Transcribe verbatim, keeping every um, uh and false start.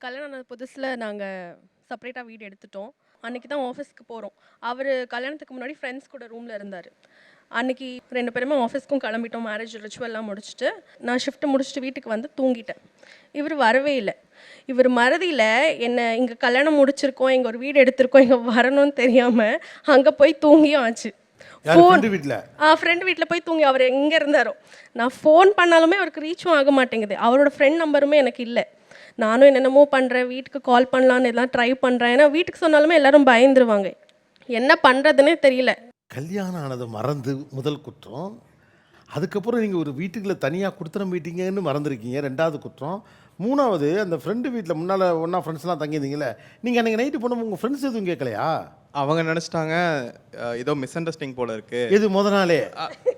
கல்யாணம் ஆன புதுசில் நாங்கள் செப்பரேட்டாக வீடு எடுத்துட்டோம். அன்றைக்கி தான் ஆஃபீஸ்க்கு போகிறோம். அவர் கல்யாணத்துக்கு முன்னாடி ஃப்ரெண்ட்ஸ் கூட ரூமில் இருந்தார். அன்றைக்கி ரெண்டு பேருமே ஆஃபீஸ்க்கும் கிளம்பிட்டோம். மேரேஜ் ரிச்சுவல்லாம் முடிச்சுட்டு நான் ஷிஃப்ட்டு முடிச்சுட்டு வீட்டுக்கு வந்து தூங்கிட்டேன். இவர் வரவே இல்லை. இவர் மறதியில் என்னை இங்கே கல்யாணம் முடிச்சிருக்கோம், இங்கே ஒரு வீடு எடுத்திருக்கோம், இங்கே வரணும்னு தெரியாமல் அங்கே போய் தூங்கியும் ஆச்சு. ஃபோன் வீட்டில் ஆ ஃப்ரெண்ட் வீட்டில் போய் தூங்கி அவர் எங்கே இருந்தாரோ. நான் ஃபோன் பண்ணாலுமே அவருக்கு ரீச்சும் ஆக மாட்டேங்குது. அவரோட ஃப்ரெண்ட் நம்பருமே எனக்கு இல்லை. நானும் என்னென்னமோ பண்ணுறேன், வீட்டுக்கு கால் பண்ணலான்னு எல்லாம் ட்ரை பண்ணுறேன். ஏன்னா வீட்டுக்கு சொன்னாலுமே எல்லாரும் பயந்துருவாங்க. என்ன பண்ணுறதுனே தெரியல. கல்யாணம் ஆனதை மறந்து முதல் குற்றம். அதுக்கப்புறம் நீங்கள் ஒரு வீட்டுக்குள்ள தனியாக கொடுத்துட மீட்டிங்கன்னு மறந்துருக்கீங்க, ரெண்டாவது குற்றம். மூணாவது அந்த ஃப்ரெண்டு வீட்டில் முன்னால் ஒன்றா ஃப்ரெண்ட்ஸ்லாம் தங்கியிருந்தீங்களே, நீங்கள் அன்றைக்கி நைட்டு போனோம் உங்கள் ஃப்ரெண்ட்ஸ் எதுவும் கேட்கலையா? அவங்க நினச்சிட்டாங்க ஏதோ மிஸ் அண்டர்ஸ்டாண்டிங் போல இருக்கு. எது முத நாளே